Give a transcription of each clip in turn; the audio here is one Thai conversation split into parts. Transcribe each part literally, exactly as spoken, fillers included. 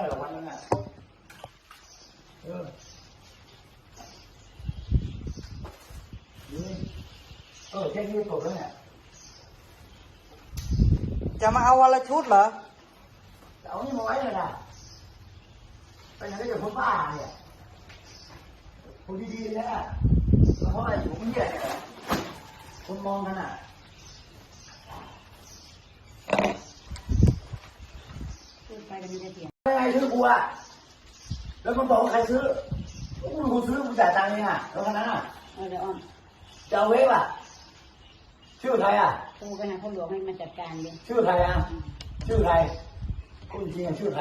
หรอกวันนึงอ่ะเออเออแค่นี้จบแล้วเนี่ยจะมาเอาวันละชุดเหรอเอานี่มาไว้เลยนะไปไหนก็จะคนบ้าเนี่ยคนดีๆนะเพราะอะไรอยู่คนเดียวเนี่ยคนมองกันอ่ะไปกันมีแต่เสียงไม่ไงซื้อกูอ่ะแล้วมันบอกว่าใครซื้อกูกูซื้อกูจ่ายตังค์เองอ่ะแล้วขนาดนั้นอ่ะเออเดี๋ยวอ้อมจะเอาเวฟอ่ะชื่อใครอ่ะโทรไปหาพ่อหลวงให้มาจัดการดิชื่อใครอ่ะชื่อใครคุณจริงอ่ะชื่อใคร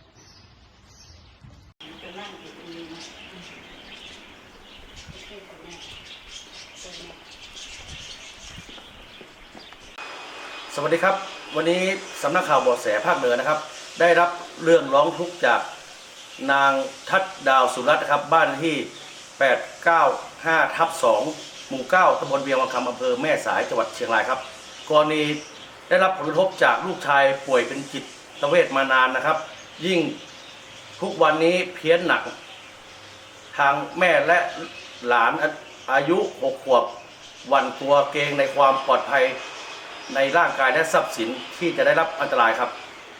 สวัสดีครับวันนี้สำนักข่าวเบาะแสภาคเหนือนะครับได้รับเรื่องร้องทุกข์จากนางทัดดาวสุรัตน์นะครับบ้านที่แปดเก้าห้าทับสองหมู่เก้าตำบลเวียงวังคำอำเภอแม่สายจังหวัดเชียงรายครับกรณีได้รับผลกระทบจากลูกชายป่วยเป็นจิตเวชมานานนะครับยิ่งทุกวันนี้เพี้ยนหนักทางแม่และหลานอายุหกขวบหวั่นกลัวเกรงในความปลอดภัยในร่างกายและทรัพย์สินที่จะได้รับอันตรายครับ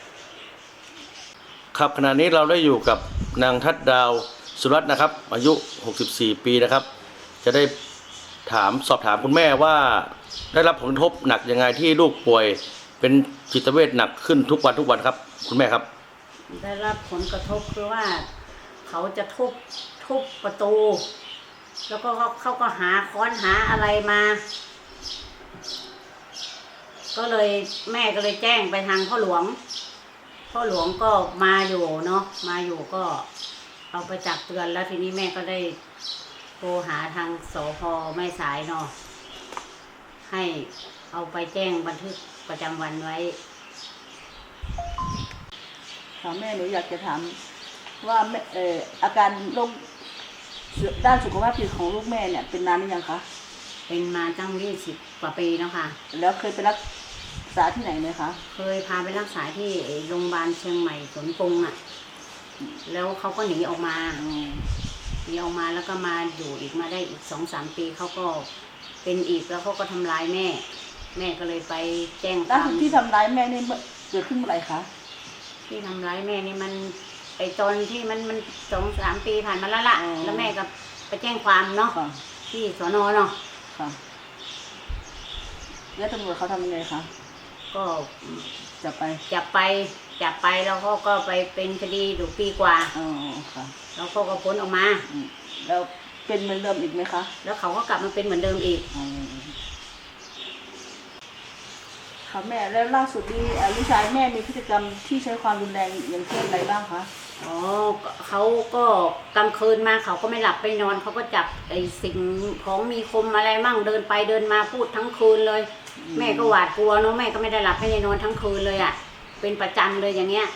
ครับขณะนี้เราได้อยู่กับนางทัดดาวสุรัตน์นะครับอายุหกสิบสี่ปีนะครับจะได้ถามสอบถามคุณแม่ว่าได้รับผลกระทบหนักยังไงที่ลูกป่วยเป็นจิตเวชหนักขึ้นทุกวันทุกวันครับคุณแม่ครับได้รับผลกระทบคือว่าเขาจะทุบทุบประตูแล้วก็เขาเขาก็หาค้อนหาอะไรมาก็เลยแม่ก็เลยแจ้งไปทางพ่อหลวงพ่อหลวงก็มาอยู่เนาะมาอยู่ก็เอาไปจับเตือนแล้วทีนี้แม่ก็ได้โทรหาทางสภ.แม่สายเนาะให้เอาไปแจ้งบันทึกประจำวันไว้ค่ะแม่หนูอยากจะถามว่าเอ่ออาการโรคด้านสุขภาพจิตของลูกแม่เนี่ยเป็นนานหรือยังคะเป็นมาตั้งยี่สิบกว่าปีแล้วค่ะแล้วเคยไปรักษาที่ไหนไหมคะเคยพาไปรักษาที่โรงพยาบาลเชียงใหม่สวนกรุงอ่ะแล้วเขาก็หนีออกมาหนีออกมาแล้วก็มาอยู่อีกมาได้อีกสองสามปีเขาก็เป็นอีกแล้วเขาก็ทำร้ายแม่แม่ก็เลยไปแจ้งความล่าสุดที่ทำร้ายแม่นี่เกิดขึ้นเมื่อไหร่คะที่ทำร้ายแม่นี่มันไอตอนที่มันมันสองสามปีผ่านมาแล้วล่ะแล้วแม่ก็ไปแจ้งความเนาะที่สน.เนาะค่ะแล้วตำรวจเขาทำยังไงคะก็จับไปจับไปจับไปแล้วเขาก็ไปเป็นคดีอยู่ปีกว่าอ๋อค่ะแล้วเขาก็พ้นออกมาแล้วเป็นเหมือนเดิมอีกไหมคะแล้วเขาก็กลับมาเป็นเหมือนเดิมอีกค่ะแม่แล้วล่าสุดนี้ลูกชายแม่มีพฤติกรรมที่ใช้ความรุนแรงอย่างเช่นอะไรบ้างคะอ๋อเขาก็กลางคืนมาเขาก็ไม่หลับไม่นอนเขาก็จับไอ้สิ่งของมีคมอะไรมั่งเดินไปเดินมาพูดทั้งคืนเลยแม่ก็หวาดกลัวเนาะแม่ก็ไม่ได้หลับไม่ได้นอนทั้งคืนเลยอ่ะเป็นประจำเลยอย่างเงี้ย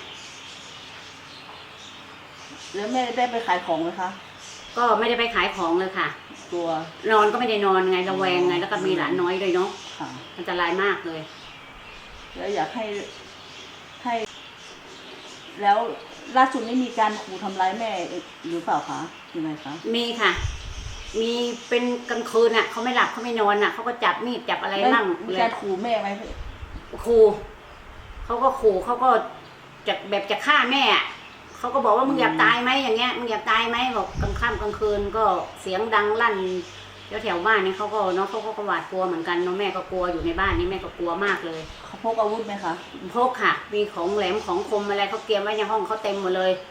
แล้วแม่ได้ไปขายของไหมคะก็ไม่ได้ไปขายของเลยค่ะตัวนอนก็ไม่ได้นอนไงระแวงไงแล้วก็มีหลานน้อยด้วยเนาะอันตรายมากเลยแล้วอยากให้ให้แล้วล่าสุดนี้มีการขู่ทำร้ายแม่หรือเปล่าคะยังไงคะมีค่ะมีเป็นกลางคืนอ่ะเขาไม่หลับเขาไม่นอนอ่ะเขาก็จับมีดจับอะไรมั่งมีการขู่แม่ไหมขู่เขาก็ขู่เขาก็จะแบบจะฆ่าแม่เขาก็บอกว่ามึงอยากตายไหมอย่างเงี้ยมึงอยากตายไหมบอกกลางค่ำกลางคืนก็เสียงดังลั่นแถวแถวบ้านนี่เขาก็เนาะเขาก็หวาดกลัวเหมือนกันเนาะแม่ก็กลัวอยู่ในบ้านนี่แม่ก็กลัวมากเลยเขาพกอาวุธไหมคะพกค่ะมีของแหลมของคมอะไรเขาเตรียมไว้ในห้องเขาเต็มหมดเลย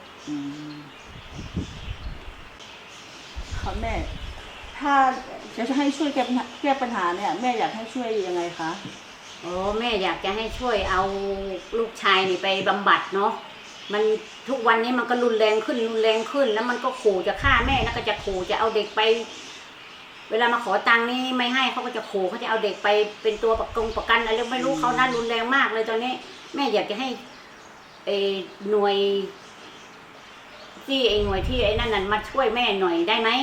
ค่ะแม่ถ้าจะให้ช่วยแก้แก้ปัญหาเนี่ยแม่อยากให้ช่วยยังไงคะโอ้แม่อยากจะให้ช่วยเอาลูกชายนี่ไปบำบัดเนาะมันทุกวันนี้มันก็รุนแรงขึ้นรุนแรงขึ้นแล้วมันก็ขู่จะฆ่าแม่แล้วก็จะขู่จะเอาเด็กไปเวลามาขอตังค์นี่ไม่ให้เขาก็จะขู่เขาจะเอาเด็กไปเป็นตัวประกงประกันอะไรไม่รู้เขาน่ารุนแรงมากเลยตอนนี้แม่อยากจะให้ไอ้หน่วยที่ไอ้หน่วยที่ไอ้นั่นนั่นมาช่วยแม่หน่อยได้ไหม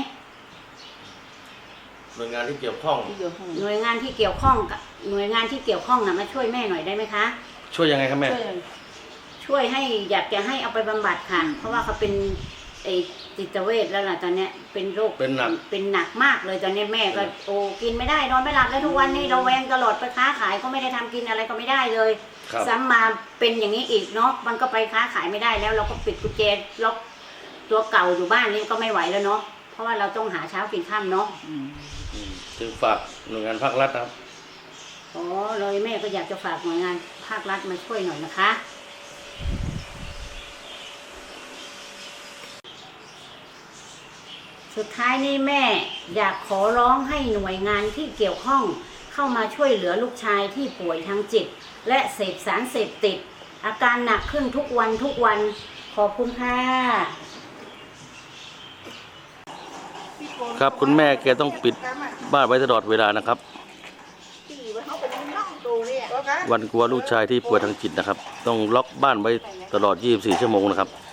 หน่วยงานที่เกี่ยวข้องหน่วยงานที่เกี่ยวข้องกับหน่วยงานที่เกี่ยวข้องน่ะมาช่วยแม่หน่อยได้ไหมคะช่วยยังไงครับแม่ชช่วยให้อยากจะให้เอาไปบำบัดค่ะ เพราะว่าเขาเป็นไอ้จิตเวชแล้วล่ะตอนเนี้ยเป็นโรคเป็นหนักเป็นหนักมากเลยตอนนี้แม่ก็โอ้กินไม่ได้นอนไม่หลับแล้วทุกวันนี้เราแวงตลอดไปค้าขายก็ไม่ได้ทำกินอะไรก็ไม่ได้เลยครับซ้ำมาเป็นอย่างนี้อีกเนาะมันก็ไปค้าขายไม่ได้แล้ว เราก็ปิดกุญแจล็อกตัวเก่าอยู่บ้านนี่ก็ไม่ไหวแล้วเนาะเพราะว่าเราต้องหาเช้ากินค่ำเนาะอืมจึงฝากหน่วยงานภาครัฐนะครับอ๋อเลยแม่ก็อยากจะฝากหน่วยงานภาครัฐมาช่วยหน่อยนะคะสุดท้ายนี้แม่อยากขอร้องให้หน่วยงานที่เกี่ยวข้องเข้ามาช่วยเหลือลูกชายที่ป่วยทางจิต และเสพสารเสพติด อาการหนักขึ้นทุกวันทุกวันขอบคุณค่ะครับคุณแม่แกต้องปิดบ้านไว้ตลอดเวลานะครับ วันกลัวลูกชายที่ป่วยทางจิตนะครับ ต้องล็อกบ้านไว้ตลอดยี่สิบสี่ชั่วโมงนะครับ